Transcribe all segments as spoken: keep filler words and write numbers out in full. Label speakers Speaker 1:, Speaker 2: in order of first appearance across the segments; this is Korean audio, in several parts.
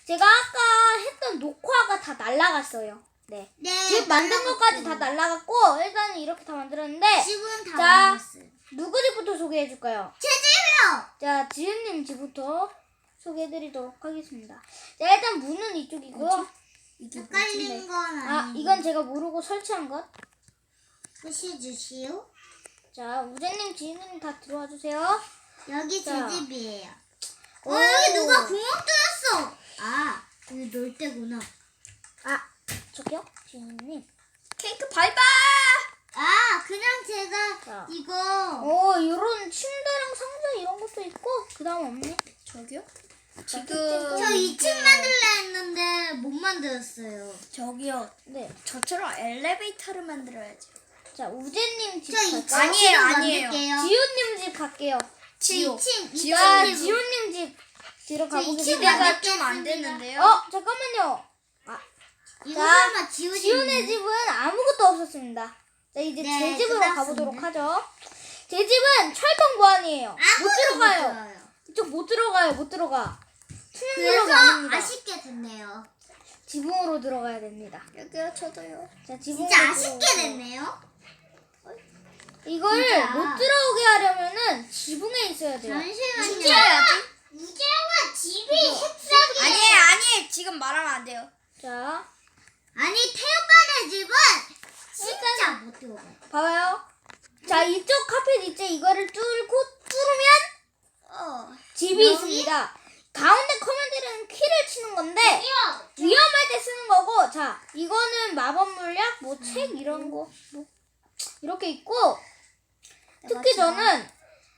Speaker 1: 제가 아까 했던 녹화가 다 날라갔어요. 네.
Speaker 2: 네.
Speaker 1: 집 만든 것까지 다 날라갔고 일단은 이렇게 다 만들었는데
Speaker 2: 집은 다
Speaker 1: 자,
Speaker 2: 만들었어요.
Speaker 1: 누구 집부터 소개해 줄까요?
Speaker 2: 제 집이요.
Speaker 1: 자, 지은님 집부터 소개해 드리도록 하겠습니다. 자, 일단 문은 이쪽이고요.
Speaker 2: 이게 헷갈리는 건
Speaker 1: 아,
Speaker 2: 아니고.
Speaker 1: 이건 제가 모르고 설치한 것.
Speaker 2: 보시주시오.
Speaker 1: 자, 우재님, 지은님 다 들어와 주세요.
Speaker 2: 여기 제
Speaker 1: 자.
Speaker 2: 집이에요.
Speaker 1: 오.
Speaker 2: 어, 여기 누가 구멍 뚫었어. 아, 여기 놀 때구나.
Speaker 1: 아, 저기요, 지은님.
Speaker 3: 케이크 바이바이.
Speaker 2: 아, 그냥 제가
Speaker 1: 자.
Speaker 2: 이거
Speaker 1: 어, 이런 침대랑 상자 이런 것도 있고, 그 다음 없네.
Speaker 3: 저기요?
Speaker 1: 지금
Speaker 2: 저 이 층 만들려 했는데 못 만들었어요.
Speaker 3: 저기요.
Speaker 1: 네.
Speaker 3: 저처럼 엘리베이터를 만들어야지.
Speaker 1: 자, 우재님 집
Speaker 2: 저 이
Speaker 1: 갈까요?
Speaker 2: 층
Speaker 3: 아니에요, 아니에요.
Speaker 2: 만들게요.
Speaker 1: 지훈님 집 갈게요.
Speaker 2: 저
Speaker 3: 지호.
Speaker 2: 이 층, 이
Speaker 3: 지호.
Speaker 1: 자,
Speaker 2: 층.
Speaker 1: 지훈님 집 뒤로
Speaker 2: 저 이 층
Speaker 1: 가보겠습니다.
Speaker 2: 만들-
Speaker 3: 기대가 좀 안 되는데요.
Speaker 1: 어, 잠깐만요.
Speaker 2: 이거
Speaker 1: 자,
Speaker 2: 설마 지훈이
Speaker 1: 지훈의 집은 아무것도 없었습니다. 자, 이제
Speaker 2: 네,
Speaker 1: 제 집으로
Speaker 2: 끝났습니다.
Speaker 1: 가보도록 하죠. 제 집은 철통 보안이에요. 못
Speaker 2: 아무도 못
Speaker 1: 들어가요.
Speaker 2: 들어요.
Speaker 1: 이쪽 못 들어가요. 못 들어가. 투명 블록이
Speaker 2: 그래서
Speaker 1: 아닙니다.
Speaker 2: 아쉽게 됐네요.
Speaker 1: 지붕으로 들어가야 됩니다.
Speaker 3: 여기요, 저도요.
Speaker 1: 자, 지붕으로
Speaker 2: 진짜 아쉽게
Speaker 1: 들어오고.
Speaker 2: 됐네요.
Speaker 1: 이걸
Speaker 2: 진짜.
Speaker 1: 못 들어오게 하려면은 지붕에 있어야 돼요.
Speaker 2: 잠시만요.
Speaker 3: 해야지.
Speaker 2: 우재가 집이 색상이
Speaker 3: 아니에요, 아니에요. 지금 말하면 안 돼요.
Speaker 1: 자,
Speaker 2: 아니 태오빠네 집은 진짜 못 들어가요.
Speaker 1: 봐봐요. 자, 이쪽 카펫 있지? 이거를 뚫고 뚫으면
Speaker 3: 어.
Speaker 1: 집이
Speaker 2: 여기?
Speaker 1: 있습니다. 가운데 커맨드는 키를 치는 건데 위험할 때 쓰는 거고, 자, 이거는 마법 물약, 뭐 책 이런 거, 뭐 이렇게 있고, 특히 저는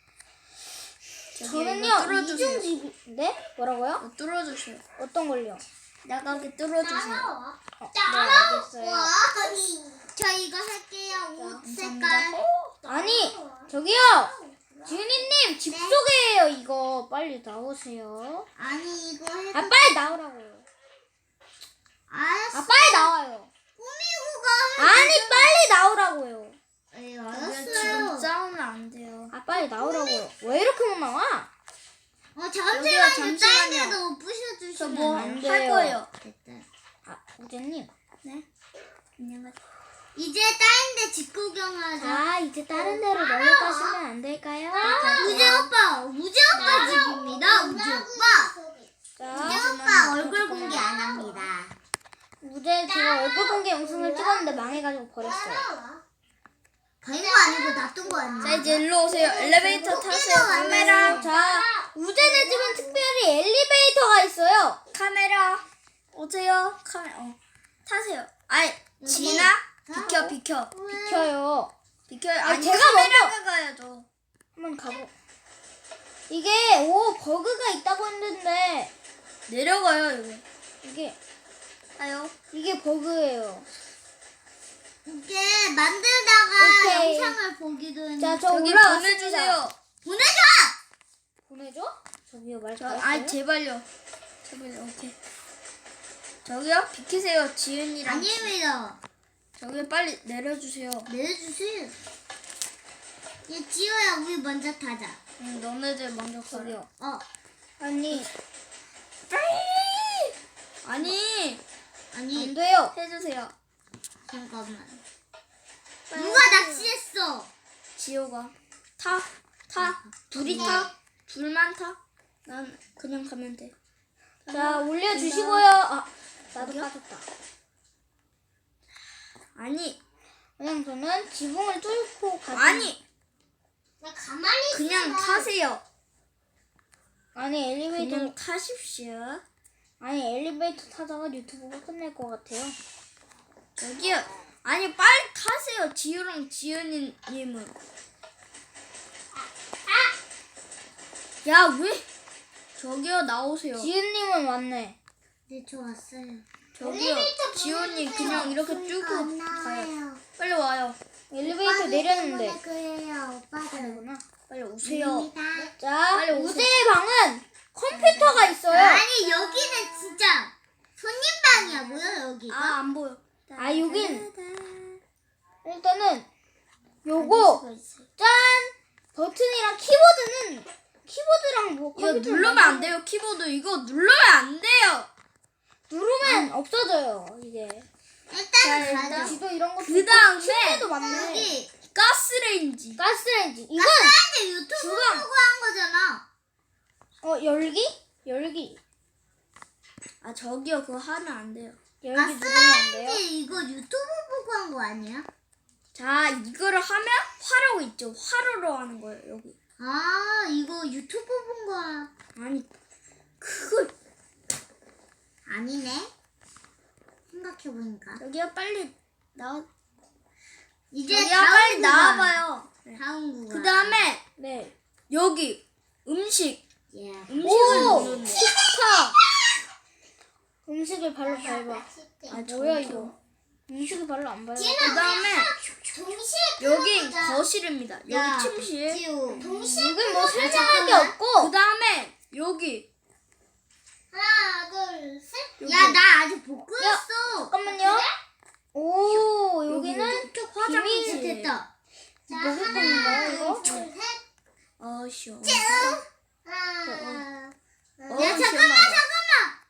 Speaker 1: 저는요
Speaker 3: 뚫어주세요.
Speaker 1: 이중 집이 네 뭐라고요?
Speaker 3: 어, 뚫어주세요.
Speaker 1: 어떤 걸요?
Speaker 3: 나가게 뚫어주세요.
Speaker 1: 어, 네, 알겠어요.
Speaker 2: 와, 저 이거 할게요. 옷 색깔.
Speaker 1: 아니 저기요, 지훈이님 집
Speaker 2: 네.
Speaker 1: 소개해요. 이거 빨리 나오세요.
Speaker 2: 아니 이거 해.
Speaker 1: 아 빨리 나오라고요.
Speaker 2: 알았어.
Speaker 1: 아 빨리 나와요.
Speaker 2: 꾸미고 가.
Speaker 1: 아니 빨리 나오라고요.
Speaker 2: 네,
Speaker 3: 지금
Speaker 2: 알았어요.
Speaker 3: 싸우면 안 돼요.
Speaker 1: 아 빨리 나오라고요. 왜 이렇게 못 나와?
Speaker 2: 어
Speaker 3: 여기요,
Speaker 2: 잠시만요. 다른
Speaker 3: 잠시만요.
Speaker 2: 데도 부셔주시면
Speaker 3: 저 뭐
Speaker 1: 안
Speaker 3: 할
Speaker 1: 돼요.
Speaker 3: 거예요.
Speaker 2: 됐다.
Speaker 1: 아 우재님.
Speaker 3: 네. 안녕하세요.
Speaker 2: 이제 다른 데 집 구경하자.
Speaker 1: 자 이제 다른 데로 넘어가시면 안 될까요?
Speaker 2: 우재 오빠, 우재 오빠 집입니다. 우재 오빠. 우재
Speaker 1: 자
Speaker 2: 오빠 얼굴 공개 안 합니다.
Speaker 1: 우재 제가 얼굴 공개 영상을 찍었는데 망해가지고 버렸어요.
Speaker 2: 버린 거 아니고 놔둔 거
Speaker 3: 자,
Speaker 2: 아니야?
Speaker 3: 이제 일로 오세요. 엘리베이터 타세요.
Speaker 2: 카메라.
Speaker 3: 카메라.
Speaker 1: 자 우재네 집은 특별히 엘리베이터가 있어요.
Speaker 3: 카메라. 오세요. 카메라. 어. 타세요. 아이, 지나? 비켜, 비켜.
Speaker 1: 비켜요.
Speaker 3: 비켜요.
Speaker 1: 아니,
Speaker 3: 아니,
Speaker 1: 제가
Speaker 3: 카메라가 가야죠.
Speaker 1: 한번 가보. 이게 오 버그가 있다고 했는데
Speaker 3: 내려가요, 여기.
Speaker 1: 이게
Speaker 3: 가요.
Speaker 1: 이게 버그예요.
Speaker 2: 이게 만들다가
Speaker 1: 오케이.
Speaker 2: 영상을 보기도 했는데.
Speaker 1: 자 저
Speaker 3: 저기
Speaker 1: 올라왔습니다.
Speaker 3: 보내주세요.
Speaker 2: 보내줘!
Speaker 1: 보내줘? 저기요 말
Speaker 3: 저,
Speaker 1: 잘했어요.
Speaker 3: 아이, 제발요. 제발요, 오케이. 저기요, 비키세요. 지은이랑.
Speaker 2: 아닙니다.
Speaker 3: 저기 빨리 내려주세요.
Speaker 2: 내려주세요. 얘 지호야, 우리 먼저 타자.
Speaker 3: 응, 너네들 먼저 가요.
Speaker 1: 저기요.
Speaker 2: 어,
Speaker 1: 아니
Speaker 3: 아니,
Speaker 1: 안
Speaker 2: 아니,
Speaker 1: 돼요.
Speaker 3: 해주세요.
Speaker 2: 잠깐만.
Speaker 3: 빨리
Speaker 2: 누가
Speaker 3: 해주세요.
Speaker 2: 낚시했어?
Speaker 3: 지호가. 타, 타. 둘이 타. 둘만 타. 난 그냥 가면 돼.
Speaker 1: 자 올려주시고요. 아 나도 빠졌다.
Speaker 3: 아니,
Speaker 1: 그냥 저는 지붕을 뚫고 가지.
Speaker 3: 아니,
Speaker 2: 나 가만히
Speaker 3: 그냥 타세요.
Speaker 1: 아니 엘리베이터
Speaker 3: 그냥 타십시오.
Speaker 1: 아니 엘리베이터 타다가 유튜브가 끝날 것 같아요.
Speaker 3: 여기요. 아니, 빨리 타세요. 지우랑 지은이님은. 야, 왜? 저기요, 나오세요.
Speaker 1: 지은님은 왔네.
Speaker 2: 네, 저 왔어요.
Speaker 3: 저기요, 지훈님 그냥 이렇게 쭉 가요. 빨리 와요.
Speaker 1: 엘리베이터 내렸는데.
Speaker 2: 그래요, 오빠들.
Speaker 1: 그러구나.
Speaker 3: 빨리 오세요.
Speaker 1: 자
Speaker 3: 빨리 오세요.
Speaker 1: 우재의 방은 컴퓨터가 있어요.
Speaker 2: 아니, 여기는 진짜 손님방이야, 뭐야, 여기가?
Speaker 3: 아, 안 보여.
Speaker 1: 아, 여긴 일단은 요거 짠 버튼이랑 키보드는 키보드랑 뭐
Speaker 3: 이거
Speaker 1: 컴퓨터
Speaker 3: 누르면 안 돼요, 키보드. 이거 누르면 안 돼요.
Speaker 1: 누르면 없어져요 이게.
Speaker 2: 일단
Speaker 3: 일단
Speaker 2: 가자.
Speaker 1: 지도 이런 것도
Speaker 3: 그 다음에
Speaker 1: 침대도 많네.
Speaker 2: 여기
Speaker 3: 가스레인지.
Speaker 1: 가스레인지. 이건
Speaker 2: 가스레인지 유튜브
Speaker 1: 주방.
Speaker 2: 보고 한 거잖아.
Speaker 1: 어 열기? 열기.
Speaker 3: 아 저기요 그거 하면 안 돼요.
Speaker 1: 열기 누르면 안 돼요?
Speaker 2: 가스레인지 이거 유튜브 보고 한 거 아니야?
Speaker 3: 자 이거를 하면 화로 있죠. 화로로 하는 거예요 여기.
Speaker 2: 아 이거 유튜브 본 거야.
Speaker 3: 아니 그걸
Speaker 2: 아니네. 생각해보니까.
Speaker 3: 여기요 빨리 나와.
Speaker 2: 이제
Speaker 3: 여기요
Speaker 2: 다음
Speaker 3: 빨리
Speaker 2: 구간.
Speaker 3: 나와봐요.
Speaker 2: 다음 구간.
Speaker 3: 그 다음에
Speaker 1: 네.
Speaker 3: 여기 음식.
Speaker 2: 예.
Speaker 3: 음식을
Speaker 1: 오!
Speaker 3: 누르는 거.
Speaker 1: 식탁! 음식을 발로 밟아.
Speaker 3: 아
Speaker 1: 뭐야
Speaker 3: 저기요.
Speaker 1: 이거? 음식을 발로 안 밟아.
Speaker 3: 그 다음에
Speaker 2: 동시에
Speaker 3: 여기 거실입니다. 여기
Speaker 2: 야,
Speaker 3: 침실.
Speaker 2: 지우. 동시에
Speaker 1: 이건 뭐
Speaker 2: 끄고
Speaker 1: 설명할 게
Speaker 2: 잠깐만.
Speaker 1: 없고.
Speaker 3: 그 다음에 여기
Speaker 2: 하나 둘 셋.
Speaker 3: 여기.
Speaker 2: 야 나 아직 못 끄었어.
Speaker 1: 잠깐만요. 오 여기는
Speaker 2: 쪽
Speaker 1: 비밀
Speaker 2: 됐다. 자
Speaker 1: 뭐 할 건가요, 이거?
Speaker 2: 둘 셋.
Speaker 3: 어 시원.
Speaker 2: 하나.
Speaker 3: 어,
Speaker 2: 야 잠깐만
Speaker 3: 시원하다.
Speaker 2: 잠깐만.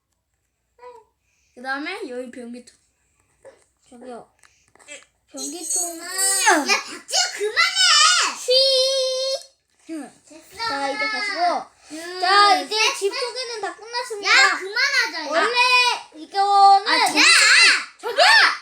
Speaker 3: 그 다음에 여기 변기통.
Speaker 1: 저기요. 변기통.
Speaker 2: 야 박지우 그만해.
Speaker 1: 쉬.
Speaker 2: 됐어.
Speaker 1: 자 이제 가시고.
Speaker 2: 둘,
Speaker 1: 자 이제
Speaker 2: 셋,
Speaker 1: 집
Speaker 2: 셋.
Speaker 1: 소개는 다 끝났습니다.
Speaker 2: 야 그만하자. 야.
Speaker 1: 원래 이거는
Speaker 3: 아, 제-
Speaker 1: 저기요.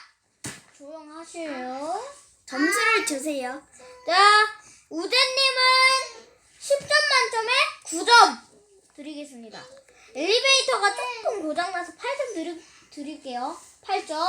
Speaker 1: 조용하세요.
Speaker 3: 점수를 주세요.
Speaker 1: 자 우재님은 십 점 만점에 구 점 드리겠습니다. 엘리베이터가 조금 고장나서 팔 점 드리, 드릴게요. 팔 점.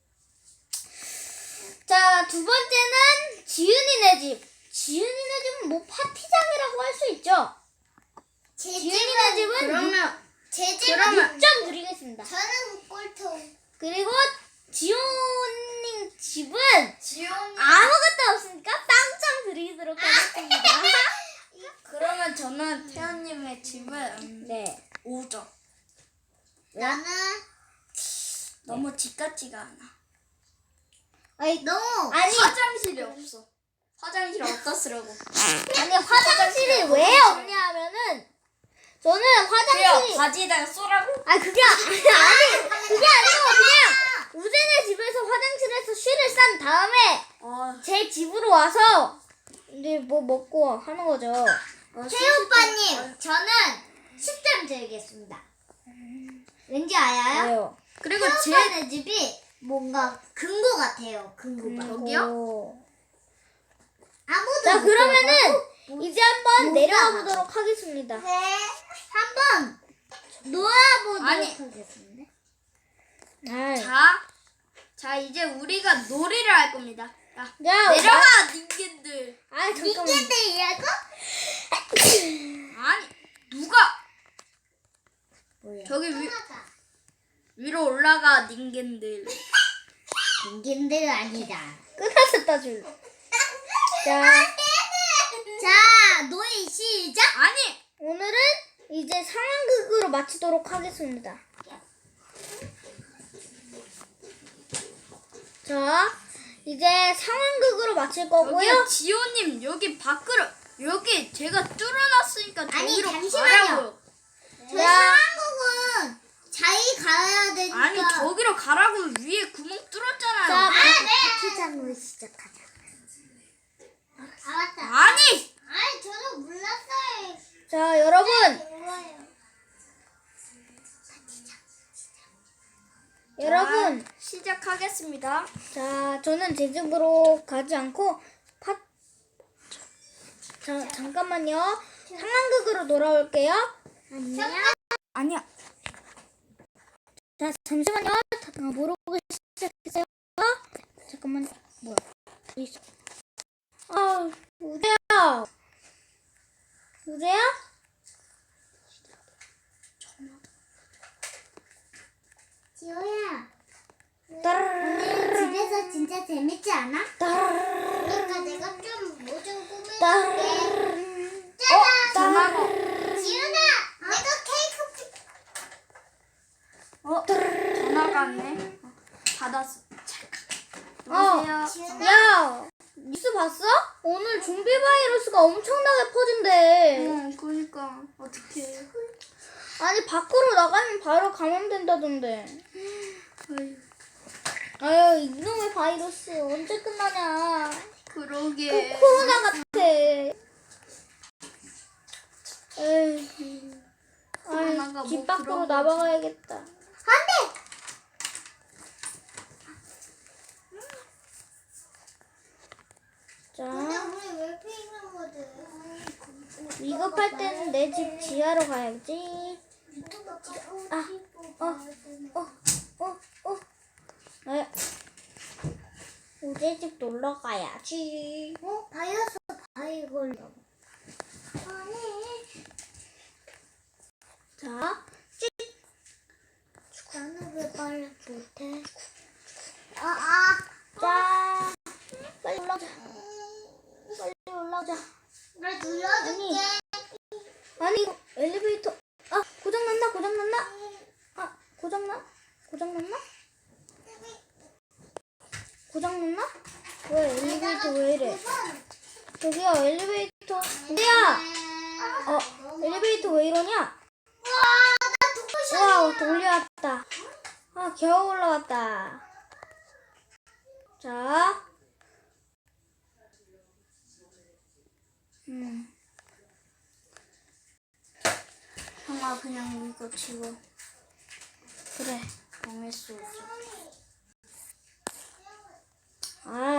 Speaker 1: 자, 두 번째는 지은이네 집. 지은이네 집은 뭐 파티장이라고 할 수 있죠.
Speaker 2: 제
Speaker 1: 지은이네 집은
Speaker 3: 그러면
Speaker 2: 제 집은
Speaker 3: 그러면-
Speaker 1: 육 점 드리겠습니다.
Speaker 2: 저는 꼴통.
Speaker 1: 그리고 지훈님 집은
Speaker 2: 지훈이.
Speaker 1: 아무것도 없으니까 빵점 드리도록 하겠습니다.
Speaker 3: 그러면 저는 태연님의 집은
Speaker 1: 네.
Speaker 3: 오 점.
Speaker 2: 나는
Speaker 3: 너무 집 같지가 않아.
Speaker 1: 아니,
Speaker 2: 너무
Speaker 1: 아니,
Speaker 3: 화장실이 없어. 화장실 어디다 쓰라고?
Speaker 1: 아니 화장실이 왜 없냐 하면은 저는 화장실이
Speaker 3: 그래요. 바지에다가 쏘라고?
Speaker 1: 아 그게 아- 아니 그게 아니고 그냥 우재네 집에서 화장실에서 쉬를 싼 다음에
Speaker 3: 어,
Speaker 1: 제 집으로 와서 이제 뭐 먹고 하는 거죠.
Speaker 3: 어,
Speaker 2: 태오빠님 저는 십 점 드리겠습니다. 왠지 알아요?
Speaker 1: 왜요?
Speaker 3: 그리고 제
Speaker 2: 태오빠네 집이 뭔가 금고 같아요. 금고가.
Speaker 3: 저기요?
Speaker 1: 오.
Speaker 2: 아무도
Speaker 1: 자
Speaker 2: 못
Speaker 1: 그러면은
Speaker 2: 들어가고
Speaker 1: 이제 한번
Speaker 2: 못
Speaker 1: 내려가
Speaker 2: 나가.
Speaker 1: 보도록 하겠습니다.
Speaker 2: 네. 한번 놀아보도록
Speaker 3: 아니.
Speaker 2: 하겠습니다.
Speaker 1: 아,
Speaker 3: 자, 자 이제 우리가 놀이를 할 겁니다. 자,
Speaker 1: 자,
Speaker 3: 내려와 닌겐들.
Speaker 1: 아 잠깐만.
Speaker 2: 닌겐들이라고?
Speaker 3: 아니 누가
Speaker 2: 뭐야?
Speaker 3: 저기 위,
Speaker 2: 하자.
Speaker 3: 위로 올라가 닌겐들.
Speaker 2: 닌겐들 아니다.
Speaker 1: 끝났었다 줄. 자
Speaker 2: 자, 놀이 시작.
Speaker 3: 아니
Speaker 1: 오늘은 이제 상황극으로 마치도록 하겠습니다. 자, 이제 상황극으로 마칠 거고요.
Speaker 3: 여기 지호님 여기 밖으로 여기 제가 뚫어놨으니까
Speaker 2: 아니,
Speaker 3: 저기로
Speaker 2: 잠시만요.
Speaker 3: 가라고요.
Speaker 2: 저희
Speaker 1: 야.
Speaker 2: 상황극은 자기 가야 되니까.
Speaker 3: 아니 저기로 가라고 위에 구멍 뚫었잖아요.
Speaker 1: 자,
Speaker 2: 아, 네. 파티장으로 시작하자. 아, 맞다.
Speaker 3: 아니
Speaker 2: 아니, 저는 몰랐어요.
Speaker 1: 자, 여러분,
Speaker 2: 이거예요.
Speaker 1: 여러분,
Speaker 3: 자, 시작하겠습니다.
Speaker 1: 자, 저는 제 집으로 가지 않고 파. 자, 잠깐만요. 상황극으로 돌아올게요.
Speaker 2: 안녕.
Speaker 3: 아니야.
Speaker 1: 자, 잠시만요. 다 모르고 시작했어요. 잠깐만, 뭐야? 어디 있어? 아, 우재야. 우재야?
Speaker 2: 지호야.
Speaker 1: 따르르르.
Speaker 2: 오늘 집에서 진짜 재밌지 않아?
Speaker 1: 따르르르.
Speaker 2: 그러니까 내가 좀 뭐 좀 꾸밀게.
Speaker 1: 따르르르.
Speaker 2: 짜잔.
Speaker 3: 전화가
Speaker 2: 지훈아, 내가 케이크 피-
Speaker 3: 어 전화가 왔네. 어, 받았어.
Speaker 1: 어,
Speaker 3: 여보세요.
Speaker 1: 야, 뉴스 봤어? 오늘 좀비 바이러스가 엄청나게 퍼진대.
Speaker 3: 응, 그러니까 어떻게?
Speaker 1: 아니 밖으로 나가면 바로 감염된다던데.
Speaker 3: 아유,
Speaker 1: 아유 이놈의 바이러스 언제 끝나냐.
Speaker 3: 그러게.
Speaker 1: 코, 코로나 같아. 에이,
Speaker 3: 코로나가
Speaker 1: 아이, 집
Speaker 3: 뭐
Speaker 1: 밖으로
Speaker 3: 그런 거지.
Speaker 1: 나가야겠다.
Speaker 2: 안돼.
Speaker 1: 자,
Speaker 2: 우리 왜 피는 거지?
Speaker 1: 위급할 때는 내 집 지하로 가야지. 아, 어, 어, 어, 어. 에, 우리 집 놀러 가야지.
Speaker 2: 어? 바이러스 바이 걸려. 아니.
Speaker 1: 자,
Speaker 2: 나는 왜 빨리 못해? 아, 아.
Speaker 1: 자, 빨리 올라오자. 빨리 올라오자.
Speaker 2: 나 눌러줄게.
Speaker 1: 아니 이거 엘리베이터 아 고장 났나 고장 났나 아 고장 나 고장 났나 고장 났나 왜 엘리베이터 왜 이래 저기요 엘리베이터 근데야 어 엘리베이터 왜 이러냐 와 돌려왔다 아 겨우 올라왔다 자 음.
Speaker 3: 형아 그냥 이거 지워.
Speaker 1: 그래
Speaker 3: 망했어.
Speaker 1: 아